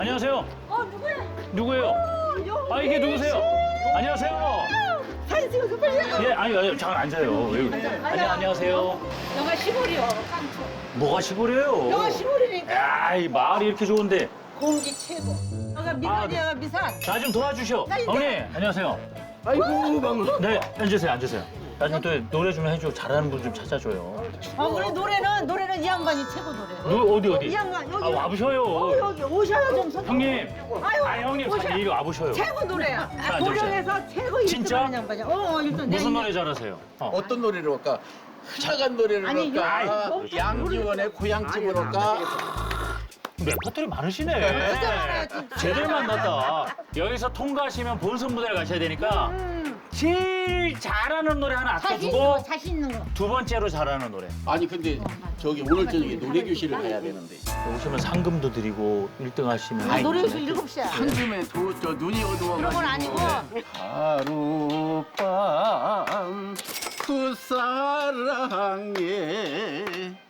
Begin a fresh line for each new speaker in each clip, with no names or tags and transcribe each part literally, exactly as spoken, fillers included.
안녕하세요.
어 누구야?
누구예요?
어, 여-
아 이게 누구세요? 안녕하세요.
사진 찍어서 빨리.
예, 아니, 아니 잠깐 앉아요. 왜 그래? 아니, 안녕하세요.
영화 시골이요. 깡초.
뭐가 시골이에요?
영화 시골이니까
야, 이 마을이 이렇게 좋은데.
공기 최고. 여기가 미산이야, 여기가 미산.
나 좀 도와주셔.
나 이제-
어머니, 안녕하세요.
아이고 방금.
네, 앉으세요, 앉으세요. 나좀 또 노래 좀 해줘. 잘하는 분 좀 찾아줘요.
아 그래 노래는 노래는 이 양반이 최고 노래.
누 어디 어디?
이 양반 여기.
아 와보셔요.
어, 여기 오셔야 좀 선.
형님.
아유,
아 형님,
오셔.
잠깐 이리 와보셔요.
최고 노래야.
자,
고령에서 최고
진짜?
일등하는 양반이야. 어, 어 일등.
무슨 노래 잘하세요? 어.
어떤 노래를 할까? 흘러간 노래를
아니,
할까?
이거-
양지원의 고향집을 할까?
레퍼토리 많으시네.
진짜 많아요, 진짜.
제대로 만났다. 여기서 통과하시면 본선 무대를 가셔야 되니까
음,
제일 잘하는 노래 하나
자신 있는
아껴두고
거, 자신 있는 거.
두 번째로 잘하는 노래.
아니 근데 저기 오늘 저녁에 노래 교실을 가야 되는데
오시면 상금도 드리고 일 등 하시면
아, 노래교실 일곱 시야.
한숨에 도, 저 눈이 어두워.
그런 건 아니고.
하룻밤 그 사랑에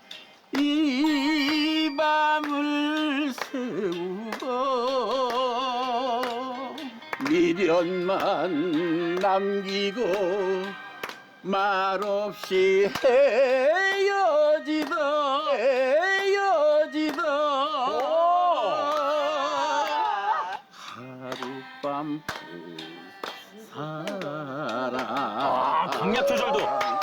이 밤을 새우고 미련만 남기고 말없이 헤어지다 헤어지다 하룻밤 그 사랑
아, 강약 조절도.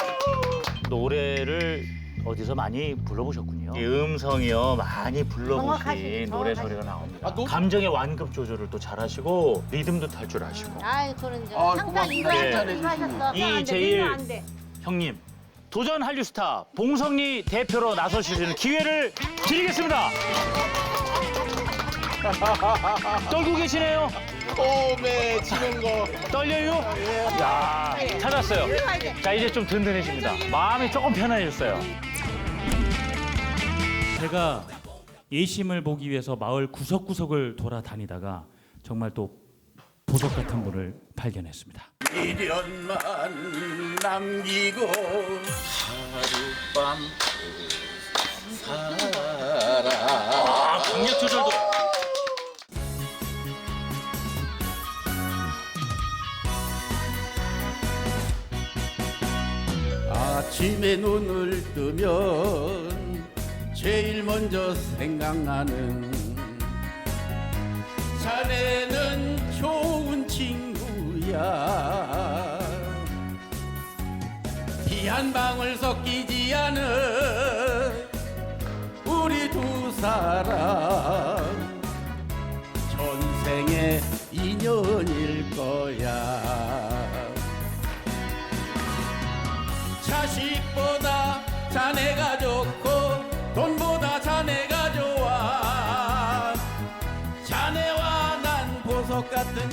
노래를 어디서 많이 불러보셨군요. 이 음성이요 많이 불러보신
정확하시-
노래
정확하시-
소리가 나옵니다.
아, 노-
감정의 완급 조절을 또 잘하시고 리듬도 탈 줄 아시고.
아이 저는 이제
아,
항상
고맙습니다.
이거
네.
하셨어. 하셨어.
이
안 돼,
제일-
이거 안 돼.
형님 도전 한류 스타 봉성리 대표로 나서시는 기회를 드리겠습니다. 떨고 계시네요.
오메 치는 거
떨려요? 야 찾았어요.
이리 와야 돼.
자 이제 좀 든든해집니다. 마음이 조금 편안해졌어요.
제가 예심을 보기 위해서 마을 구석구석을 돌아다니다가 정말 또 보석 같은 분을 발견했습니다.
미련만 남기고 하룻밤 그 사랑
아 강약 조절도.
아침에 눈을 뜨면 제일 먼저 생각나는 자네는 좋은 친구야 피 한 방울 섞이지 않은 우리 두 사람 전생의 인연일 거야 자식보다 자네가 좋고 돈보다 자네가 좋아 자네와 난 보석 같은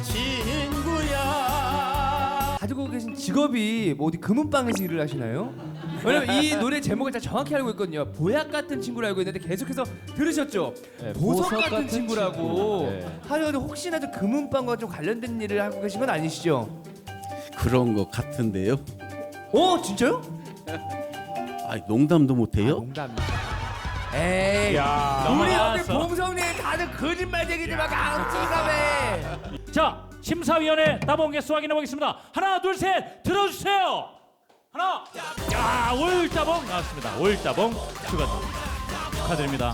친구야
가지고 계신 직업이 뭐 어디 금은방에서 일을 하시나요? 왜냐면 이 노래 제목을 다 정확히 알고 있거든요. 보약 같은 친구를 알고 있는데 계속해서 들으셨죠? 보석, 같은, 친구라고. 하여튼 혹시나 좀 금은방과 좀 관련된 일을 하고 계신 건 아니시죠?
그런 것 같은데요
어 진짜요?
아 농담도 못해요?
농담. 에이.
야
우리 여기
넘어갔어.
봉성리 다들 거짓말쟁이들만 강치감해.
자, 심사위원회 따봉 개수 확인해 보겠습니다. 하나, 둘, 셋, 들어주세요. 하나, 야, 올따봉 나왔습니다. 올따봉 축하드립니다. 축하드립니다.